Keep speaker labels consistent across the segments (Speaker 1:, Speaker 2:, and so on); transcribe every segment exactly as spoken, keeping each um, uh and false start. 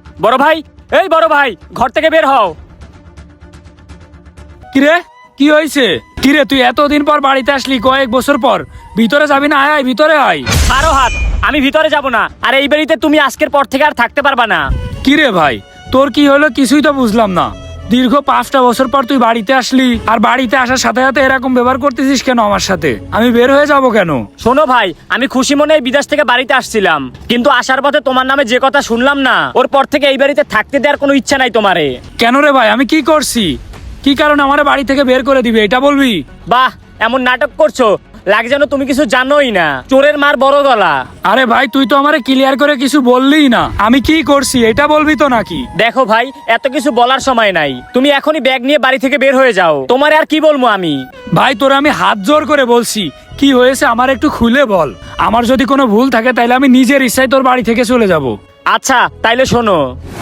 Speaker 1: বড় ভাই, এই বড় ভাই, ঘর থেকে বের হও।
Speaker 2: কিরে কি হয়েছে? কিরে তুই এতদিন পর বাড়িতে আসলি, কয়েক বছর পর, ভিতরে যাবি না? আয় আয় ভিতরে আয়।
Speaker 1: ছাড়ো হাত, আমি ভিতরে যাব না। আর এই বাড়িতে তুমি আজকের পর থেকে আর থাকতে পারবা না।
Speaker 2: কিরে ভাই তোর কি হলো কিছুই তো বুঝলাম না। দীর্ঘ পাঁচটা বছর পর তুই বাড়িতে আসলি, আর বাড়িতে আসার সাথে সাথে এরকম ব্যবহার করতেছিস কেন আমার সাথে? আমি বের হয়ে যাব কেন?
Speaker 1: শোনো ভাই, আমি খুশি মনে এই বিদেশ থেকে বাড়িতে আসছিলাম, কিন্তু আসার পথে তোমার নামে যে কথা শুনলাম না, ওর পর থেকে এই বাড়িতে থাকতে দেওয়ার কোনো ইচ্ছা নাই তোমারে।
Speaker 2: কেন রে ভাই, আমি কি করছি? কি কারণে আমার বাড়ি থেকে বের করে দিবে এটা বলবি?
Speaker 1: বাহ, এমন নাটক করছো, লাগে যেন তুমি কিছু জানোই না। চোরের মার বড় গলা।
Speaker 2: আরে ভাই তুই তো আমারে ক্লিয়ার করে কিছু বললিই না, আমি কি করছি এটা বলবি তো নাকি?
Speaker 1: দেখো ভাই, এত কিছু বলার সময় নাই, তুমি এখনই ব্যাগ নিয়ে বাড়ি থেকে বের হয়ে যাও। তোমারে আর কি বলবো আমি।
Speaker 2: ভাই তোর আমি হাত জোর করে বলছি, কি হয়েছে আমার একটু খুলে বল। আমার যদি কোনো ভুল থাকে তাহলে আমি নিজের ইচ্ছায় তোর বাড়ি থেকে চলে যাব।
Speaker 1: আচ্ছা তাইলে শোনো।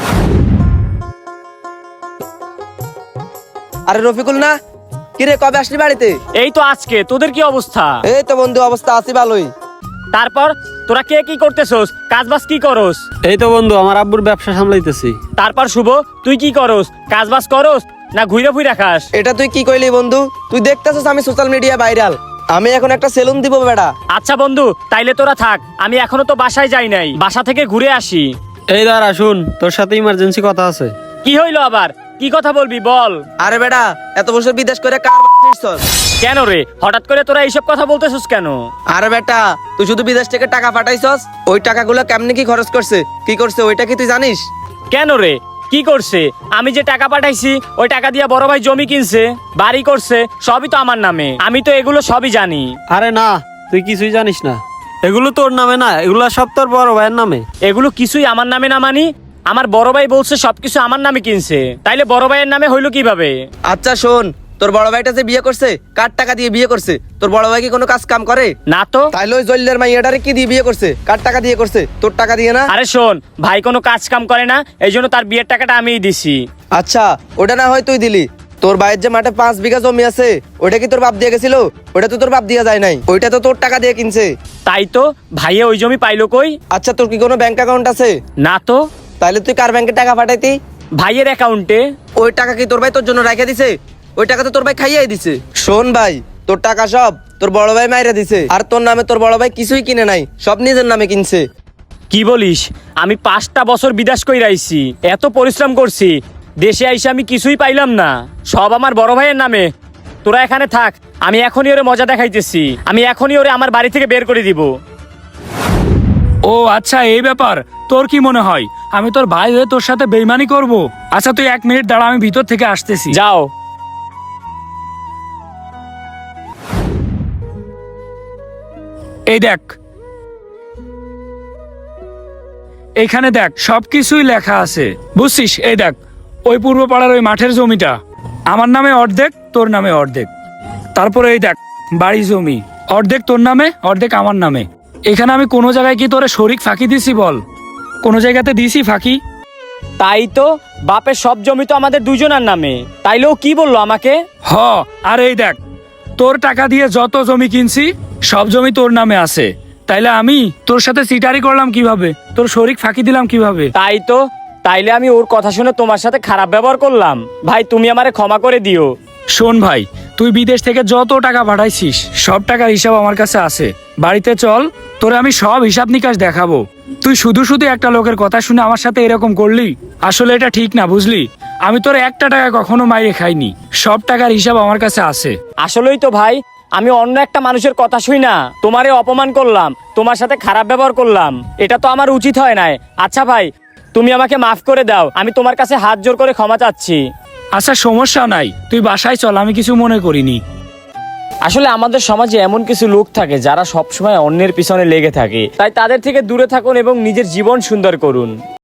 Speaker 3: আরে রফিকুল না, কিরে কবে আসলি বাড়িতে?
Speaker 1: এই তো আজকে। তোদের কি অবস্থা?
Speaker 3: এই তো বন্ধু, অবস্থা আছি ভালোই।
Speaker 1: তারপর তোরা কে কি করতেছস? কাজ বাজ কি করস?
Speaker 4: এই তো বন্ধু, আমার আব্বুর ব্যবসা সামলাইতেছি।
Speaker 1: তারপর শুভ, তুই কি করস? কাজ বাজ করস না ঘুরে ফুইরা খাস?
Speaker 3: এটা তুই কি কইলি বন্ধু? তুই দেখতেছিস আমি সোশ্যাল মিডিয়া ভাইরাল, আমি এখন একটা সেলুন দিব বেটা।
Speaker 1: আচ্ছা বন্ধু, তাইলে তোরা থাক, আমি এখনো তো বাসায় যাই নাই, বাসা থেকে ঘুরে আসি।
Speaker 4: এই দাঁড়া, শুন, তোর সাথে ইমার্জেন্সি কথা আছে।
Speaker 1: কি হইলো আবার? কি কথা বলবি বল।
Speaker 3: আরে বেটা, এত বছর বিদেশ করে কার বাড়ছিস?
Speaker 1: কেন রে, হঠাৎ করে তোরা এইসব কথা বলতেছস কেন?
Speaker 3: আরে বেটা, তুই শুধু বিদেশ থেকে টাকা পাঠাইছস, ওই টাকাগুলো কেমনে কি খরচ করছে, কি করছে ওইটা কি তুই জানিস?
Speaker 1: কেন রে, কি করছে? আমি যে টাকা পাঠাইছি ওই টাকা দিয়ে বড় ভাই জমি কিনছে, বাড়ি করছে, সবই তো আমার নামে। আমি তো এগুলো সবই জানি।
Speaker 4: আরে না, তুই কিছুই জানিস না, এগুলো তোর নামে না, এগুলো সব তোর বড় ভাইয়ের নামে।
Speaker 1: এগুলো কিছুই আমার নামে না মানি? আমার বড় ভাই বলছে সবকিছু আমার নামে কিনছে, তাইলে বড় ভাইয়ের নামে হইলো কিভাবে?
Speaker 3: আচ্ছা শোন, তোর বড় ভাইটা যে বিয়ে করছে, কার টাকা দিয়ে বিয়ে করছে? তোর বড় ভাই কি কোনো কাজ কাম করে?
Speaker 1: না তো।
Speaker 3: তাইলে ওই জল্লের মাইয়াটারে কি দিয়ে বিয়ে করছে? কার টাকা দিয়ে করছে? তোর টাকা দিয়ে না?
Speaker 1: আরে শোন, ভাই কোনো কাজ কাম করে না, এই জন্য তার বিয়ের টাকাটা আমিই দিছি।
Speaker 3: আচ্ছা, ওটা না হয় তুই দিলি। তোর ভাইয়ের যে মাঠে পাঁচ বিঘা জমি আছে, ওটা কি তোর বাপ দিয়ে গেছিল? ওটা তো তোর বাপ দিয়া যায় নাই, ওইটা তো তোর টাকা দিয়ে কিনছে।
Speaker 1: তাই তো, ভাইয়ে ওই জমি পাইলো কই?
Speaker 3: আচ্ছা, তোর কি কোনো ব্যাংক অ্যাকাউন্ট আছে?
Speaker 1: না তো।
Speaker 3: তাইলে তুই কার ব্যাংকে টাকা পাঠাইতি?
Speaker 1: ভাইয়ের অ্যাকাউন্টে।
Speaker 3: ওই টাকা কি তোর ভাই তোর জন্য রাখা দিছে? ওই টাকা তো তোর ভাই খাইয়াই দিছে। শোন ভাই, তোর টাকা সব তোর বড় ভাই মাইরা দিছে, আর তোর নামে তোর বড় ভাই কিছুই কিনে নাই, সব নিজের নামে কিনছে।
Speaker 1: কি বলিস? আমি পাঁচটা বছর বিদেশ কইরা আইছি, এত পরিশ্রম করছি, দেশে আইসে আমি কিছুই পাইলাম না, সব আমার বড় ভাইয়ের নামে। তোরা এখানে থাক, আমি এখনই ওরে মজা দেখাইতেছি, আমি এখনই ওরে আমার বাড়ি থেকে বের করে দিব।
Speaker 2: ও আচ্ছা এই ব্যাপার। তোর কি মনে হয় আমি তোর ভাই হয়ে তোর সাথে বেইমানি করব? আচ্ছা তুই এক মিনিট দাঁড়া, আমি ভিতর থেকে আসতেছি।
Speaker 1: যাও।
Speaker 2: এই দেখ, এইখানে দেখ সবকিছুই লেখা আছে, বুঝছিস? এই দেখ, ওই পূর্ব পাড়ার ওই মাঠের জমিটা আমার নামে অর্ধেক, তোর নামে অর্ধেক। তারপরে এই দেখ বাড়ি জমি, অর্ধেক তোর নামে, অর্ধেক আমার নামে। এখানে আমি কোনো জায়গায় কি তোরে শরিক ফাঁকি দিছি বল? কোনো জায়গাতে দিছি ফাঁকি?
Speaker 1: তাই তো, বাপের সব জমি তো আমাদের দুজনের নামে, তাইলেও কি বললো আমাকে?
Speaker 2: হ, আর এই দেখ তোর টাকা দিয়ে যত জমি কিনছি সব জমি তোর নামে আছে, তাইলে আমি তোর সাথে সিটারি করলাম কিভাবে? তোর শরিক ফাঁকি দিলাম কিভাবে?
Speaker 1: তাই তো, তাইলে আমি ওর কথা শুনে তোমার সাথে খারাপ ব্যবহার করলাম। ভাই তুমি আমারে ক্ষমা করে দিও।
Speaker 2: শোন ভাই, তুই বিদেশ থেকে যত টাকা পাঠাইছিস সব টাকার হিসাব আমার কাছে আছে। বাড়িতে চল, তোরে আমি সব হিসাব নিকাশ দেখাবো। তুই শুধু শুধু একটা লোকের কথা শুনে আমার সাথে এরকম করলি, আসলে এটা ঠিক না, বুঝলি? আমি তোর একটা টাকা কখনো মাইরে খাইনি, সব টাকার হিসাব আমার কাছে আছে।
Speaker 1: আসলেই তো ভাই, আমি অন্য একটা মানুষের কথা শুই না তোমারে অপমান করলাম, তোমার সাথে খারাপ ব্যবহার করলাম, এটা তো আমার উচিত হয় নাই। আচ্ছা ভাই, তুমি আমাকে মাফ করে দাও, আমি তোমার কাছে হাত জোর করে ক্ষমা চাচ্ছি।
Speaker 2: আচ্ছা সমস্যা নাই, তুই বাসায় চল, আমি কিছু মনে করিনি।
Speaker 1: আসলে আমাদের সমাজে এমন কিছু লোক থাকে যারা সবসময় অন্যের পিছনে লেগে থাকে, তাই তাদের থেকে দূরে থাকুন এবং নিজের জীবন সুন্দর করুন।